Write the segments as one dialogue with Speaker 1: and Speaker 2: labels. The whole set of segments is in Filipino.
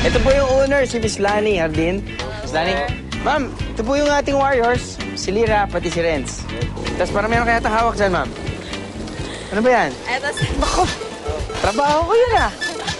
Speaker 1: Ito po yung owner, si Miss Lani Hardin. Miss Lani, ma'am, ito po yung ating Warriors. Si Lira, pati si Renz. Tapos parang meron kaya hawak dyan, ma'am. Ano ba yan?
Speaker 2: Eto,
Speaker 1: Bako, trabaho ko yun ah.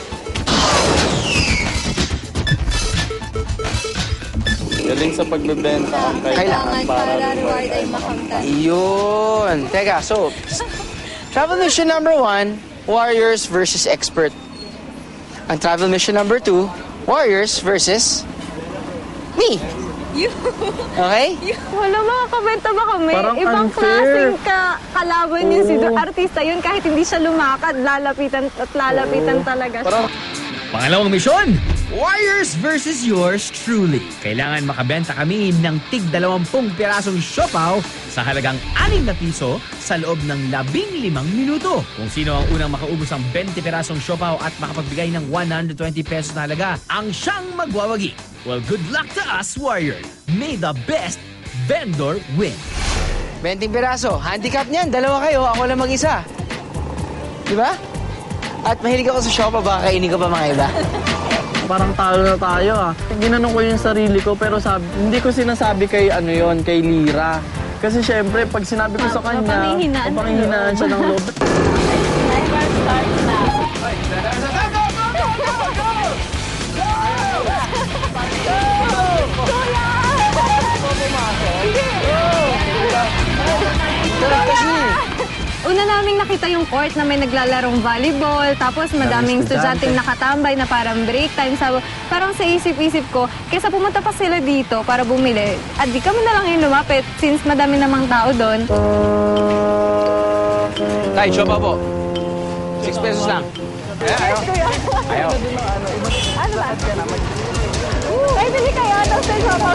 Speaker 3: Galing sa pagbebenta ang kailangan para
Speaker 2: reward ay makamtan.
Speaker 1: Yun. Teka, so, travel mission number 1, Warriors versus Expert. Ang travel mission number 2, Warriors versus me. Okay?
Speaker 2: Wala, makakabenta ba kami?
Speaker 4: Parang
Speaker 2: Ibang
Speaker 4: unfair.
Speaker 2: klaseng kalaban yun. Si artista yun, kahit hindi siya lumakad, lalapitan at lalapitan talaga siya.
Speaker 5: Pangalawang misyon, Warriors versus yours truly. Kailangan makabenta kami ng tig 20 pirasong siopaw sa halagang 6 na piso sa loob ng 15 minuto. Kung sino ang unang makaubos ng 20 pirasong siopaw at makapagbigay ng 120 pesos na halaga, ang siyang magwawagi. Well, good luck to us, Warriors. May the best vendor win.
Speaker 1: 20 piraso. Handicap niyan, dalawa kayo, ako lang mag-isa. Diba? At mahilig ako sa siopaw, baka kainin ko pa mga iba.
Speaker 4: Parang talo na tayo ah. Ginanong ko yung sarili ko pero hindi ko sinasabi kay kay Lira. Kasi syempre pag sinabi ko sa kanya, panghihinaan siya ng loob.
Speaker 2: Una naming nakita yung court na may naglalarong volleyball, tapos madaming estudyanteng nakatambay na parang break time. Parang sa isip-isip ko, kaysa pumunta pa sila dito para bumili, at di kami na lang yung lumapit since madami namang tao doon.
Speaker 1: Tay, siopaw po. 6 pesos lang. Ayaw.
Speaker 2: Ano ba? Ay, bili kayo. Tapos tayo siopaw.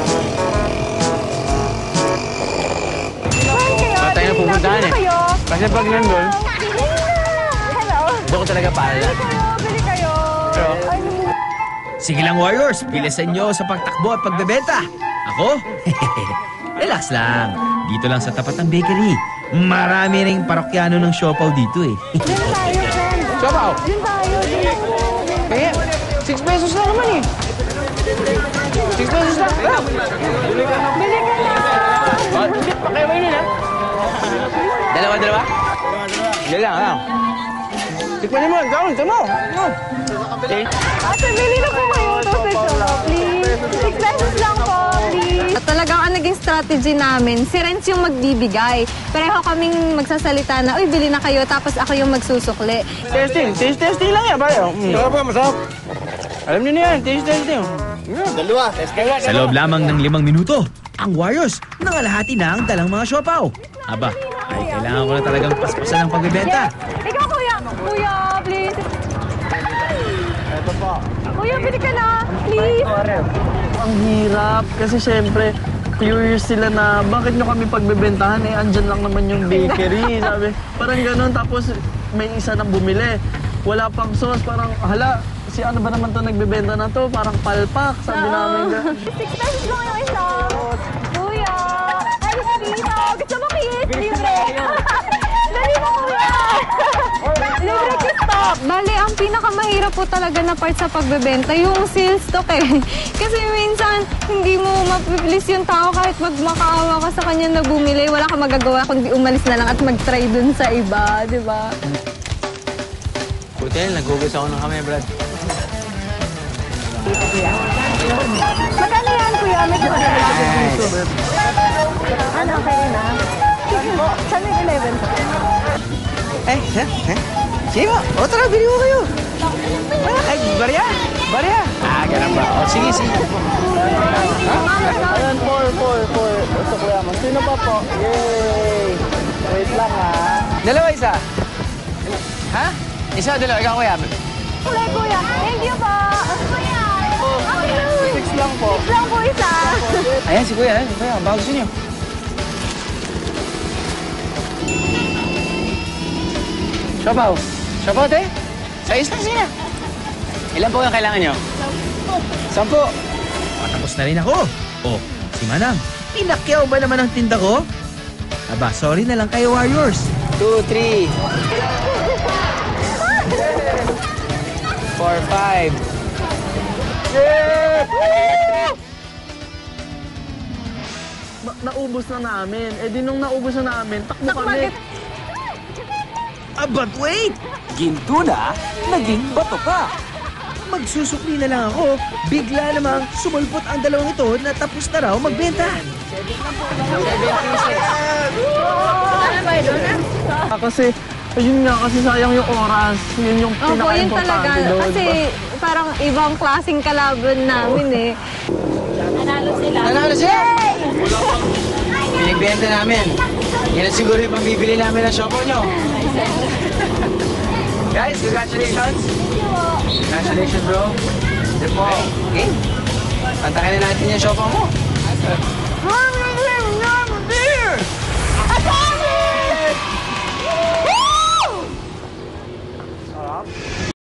Speaker 1: Tayo na pupuntahan eh. Kasi pag nandun,
Speaker 2: Hello.
Speaker 1: doon ko talaga pala.
Speaker 2: Bili kayo.
Speaker 5: Sige lang, Warriors. Bilisan nyo sa pagtakbo at pagbebenta. Ako? Relax lang. Dito lang sa tapat ng bakery. Marami ring parokyano ng siopaw dito eh.
Speaker 2: Diyan tayo, friend.
Speaker 1: Siopaw!
Speaker 2: Diyan tayo.
Speaker 1: Kaya, 6 pesos lang naman eh. 6 pesos lang.
Speaker 2: Bili ka na.
Speaker 1: Pakiway nila. Dalawa? Dalawa. Tikman mo, gawin, ito mo.
Speaker 2: Ate, bili na po kayo. Please. 6 pesos lang po, please. At talagang ang naging strategy namin, si Renz yung magbibigay. Pareho kaming magsasalita na, uy, bili na kayo, tapos ako yung magsusukli.
Speaker 1: Testing lang yan, pare. Masarap. Alam niyo na yan, testing.
Speaker 3: Dalawa.
Speaker 5: Sa loob lamang ng 5 minuto, ang Warriors nangalahati na ang dalang mga siopaw. Aba, ay kailangan ko na talagang paspasan ng pagbebenta.
Speaker 2: Ikaw, kuya. Kuya, please.
Speaker 3: Ito po.
Speaker 2: Kuya, bili ka na. Please.
Speaker 4: Ang hirap kasi syempre curious sila na bakit nyo kami pagbebentahan andyan lang naman yung bakery. Sabi, parang ganun tapos may isa nang bumili. Wala pang sauce, parang hala, si ano ba naman to nagbebenta na to? Parang palpak, sabi namin.
Speaker 2: 6 pesos lang yung isa. Kuya. Ay, dito. Gusto mo kiss? Libre. Dali mo, kuya. Libre kiss stop. Bale, ang pinakamahirap po talaga na part sa pagbebenta, yung sales stock eh. Kasi minsan, hindi mo mapipilis yung tao kahit magmakaawa ka sa kanya na bumili. Wala ka magagawa kundi umalis na lang at mag-try dun sa iba, di ba?
Speaker 1: Buti yan, nagugos ako ng kamay, Brad.
Speaker 2: Magkano yan, kuya? May ano, okay na? Saan may 11 po?
Speaker 1: Sige mo. O, tara, bili mo kayo. Ay, barya. Ganun ba? O, sige.
Speaker 4: Ayan, 4. Ito kuya mo. Sino pa po? Yay! Wait lang ha.
Speaker 1: Dalawa, isa. Ha? Isa, dalawa. Ikaw, kuya.
Speaker 2: Kuya. Thank you po. Kuya.
Speaker 4: 6 lang po.
Speaker 2: 6 lang po isa.
Speaker 1: Ayan, si kuya. Baka gusto niyo. Siopaw, te? Sa sige na. Ilan po yung kailangan nyo? 10.
Speaker 5: Patapos na rin ako. Oh, si Manang, pinakyaw ba naman ang tinda ko? Aba, sorry na lang kayo, Warriors.
Speaker 1: 2, 3. 4, 5.
Speaker 4: Naubos na namin. Eh di nung naubos na namin, takbo kami.
Speaker 5: But wait!
Speaker 6: Ginto na, naging bato pa.
Speaker 5: Magsusukli na lang ako. Bigla namang sumulpot ang dalawang ito na tapos na raw magbenta.
Speaker 4: Kasi, ayun nga, kasi sayang yung oras. Yun yung
Speaker 2: Opo, yun talaga.
Speaker 4: pinaka-importante doon.
Speaker 2: Kasi parang ibang klaseng kalaban namin eh.
Speaker 1: Nanalo siya! Pinagbenta namin. Yan na siguro yung pambibili namin ng siopaw nyo. Guys, congratulations! Congratulations, bro. Ito po. Okay? Pantakin na natin yung siopaw mo.